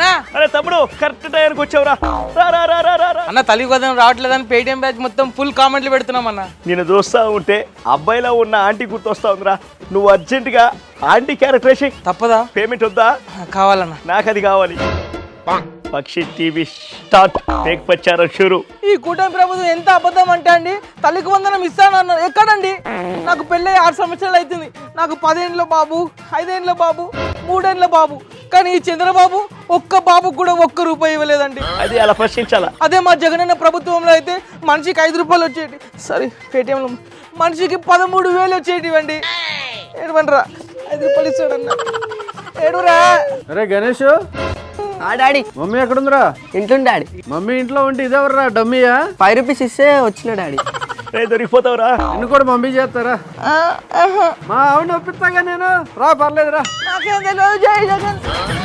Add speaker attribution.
Speaker 1: అన్నా
Speaker 2: అరే తమ్ముడు కరెక్ట్ టైంకి వచ్చావురా. రా రా రా రా రా.
Speaker 1: అన్న తల్లి గోదాం రావట్లేదని పేటిఎం బ్యాచ్ మొత్తం ఫుల్ కామెంట్లు పెడుతున్నాం అన్న.
Speaker 2: నేను చూస్తా ఉంటే అబ్బాయిలో ఉన్న ఆంటీ గుర్తొస్తా ఉందిరా. నువ్వు అర్జెంటుగా ఆంటీ క్యారెక్టర్ వేసి.
Speaker 1: తప్పదా?
Speaker 2: పేమెంట్ వద్దా?
Speaker 1: కావాలన్నా.
Speaker 2: నాకు అది కావాలి. పక్షి టీవీ స్టార్ట్. టేక్ ప్రచారం షురు.
Speaker 1: ఈ కూటమి ప్రభుత్వం ఎంత అబద్ధం అంటే అండి, తల్లికి వందనం ఇస్తానన్నారు. ఎక్కడండి? నాకు పెళ్ళి 6 సంవత్సరాలు అవుతుంది. నాకు 10 ఏళ్ళ బాబు, 5 ఏళ్ళ బాబు, 3 ఏళ్ళ బాబు. కానీ ఈ చంద్రబాబు ఒక్క బాబుకు కూడా ₹1 ఇవ్వలేదండి.
Speaker 2: అది అలా ప్రశ్నించాలా?
Speaker 1: అదే మా జగనన్న ప్రభుత్వంలో అయితే మనిషికి ₹5 వచ్చేటి. సారీ పేటిఎంలో మనిషికి 13,000 వచ్చేటివండి. ఏడవండిరా, ₹5 ఇస్తాడన్న. ఏడురా.
Speaker 3: అరే గణేష్,
Speaker 4: డాడీ
Speaker 3: మమ్మీ ఎక్కడుందిరా?
Speaker 4: ఇంట్లో డాడీ.
Speaker 3: మమ్మీ ఇంట్లో ఉంటే ఇదేవర్రా డమ్మీయా?
Speaker 4: ₹5 ఇస్తే వచ్చిన డాడీ.
Speaker 2: రే దొరికిపోతావురా.
Speaker 3: నిన్ను కూడా మమ్మీ చేస్తారా? మా ఆవిడ ఒప్పిస్తాగా నేను. రా పర్లేదురా.
Speaker 1: నాకేం తెలియదు. జై జగన్.